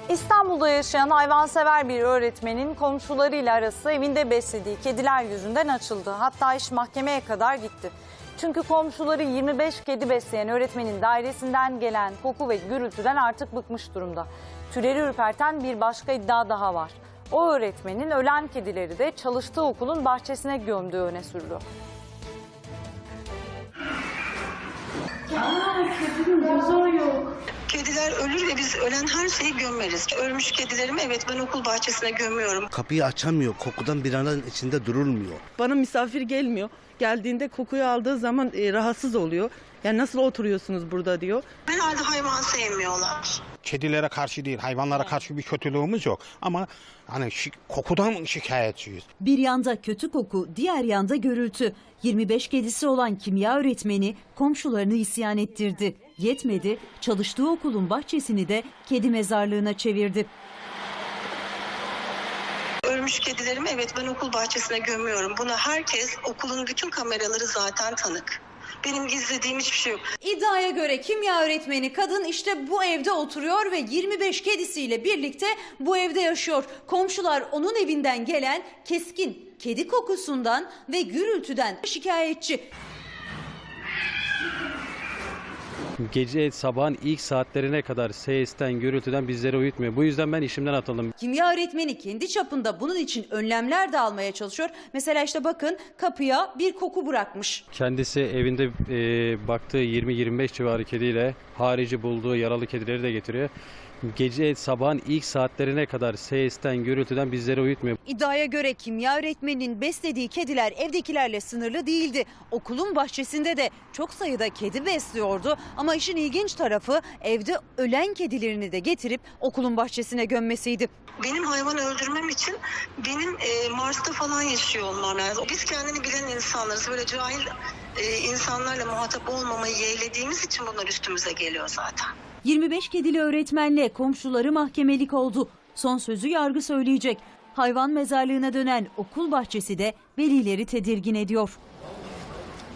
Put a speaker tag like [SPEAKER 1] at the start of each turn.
[SPEAKER 1] İstanbul'da yaşayan hayvansever bir öğretmenin komşularıyla arası evinde beslediği kediler yüzünden açıldı. Hatta iş mahkemeye kadar gitti. Çünkü komşuları 25 kedi besleyen öğretmenin dairesinden gelen koku ve gürültüden artık bıkmış durumda. Tüyleri ürperten bir başka iddia daha var. O öğretmenin ölen kedileri de çalıştığı okulun bahçesine gömdüğü öne sürülüyor.
[SPEAKER 2] Kediler ölür ve biz ölen her şeyi gömeriz. Ölmüş kedilerimi evet ben okul bahçesine gömüyorum.
[SPEAKER 3] Kapıyı açamıyor, kokudan bir anın içinde durulmuyor.
[SPEAKER 4] Bana misafir gelmiyor. Geldiğinde kokuyu aldığı zaman rahatsız oluyor. Yani nasıl oturuyorsunuz burada diyor.
[SPEAKER 2] Herhalde hayvan sevmiyorlar.
[SPEAKER 5] Kedilere karşı değil, hayvanlara karşı bir kötülüğümüz yok. Ama hani kokudan şikayetçiyiz.
[SPEAKER 6] Bir yanda kötü koku, diğer yanda gürültü. 25 kedisi olan kimya öğretmeni komşularını isyan ettirdi. Yetmedi, çalıştığı okulun bahçesini de kedi mezarlığına çevirdi.
[SPEAKER 2] Ölmüş kedilerimi evet ben okul bahçesine gömüyorum. Buna herkes, okulun bütün kameraları zaten tanık. Benim gizlediğim hiçbir şey yok.
[SPEAKER 7] İddiaya göre kimya öğretmeni kadın işte bu evde oturuyor ve 25 kedisiyle birlikte bu evde yaşıyor. Komşular onun evinden gelen keskin kedi kokusundan ve gürültüden şikayetçi.
[SPEAKER 8] Gece sabahın ilk saatlerine kadar sesten, gürültüden bizleri uyutmuyor. Bu yüzden ben işimden atıldım.
[SPEAKER 7] Kimya öğretmeni kendi çapında bunun için önlemler de almaya çalışıyor. Mesela işte bakın kapıya bir koku bırakmış.
[SPEAKER 8] Kendisi evinde baktığı 20-25 civarı kediyle harici bulduğu yaralı kedileri de getiriyor. Gece sabahın ilk saatlerine kadar sesten, gürültüden bizleri uyutmuyor.
[SPEAKER 7] İddiaya göre kimya öğretmeninin beslediği kediler evdekilerle sınırlı değildi. Okulun bahçesinde de çok sayıda kedi besliyordu. Ama işin ilginç tarafı evde ölen kedilerini de getirip okulun bahçesine gömmesiydi.
[SPEAKER 2] Benim hayvan öldürmem için benim Mars'ta falan yaşıyor olmam lazım. Biz kendini bilen insanlarız. Böyle cahil insanlarla muhatap olmamayı yeğlediğimiz için bunlar üstümüze geliyor zaten.
[SPEAKER 6] 25 kedili öğretmenle komşuları mahkemelik oldu. Son sözü yargı söyleyecek. Hayvan mezarlığına dönen okul bahçesi de velileri tedirgin ediyor.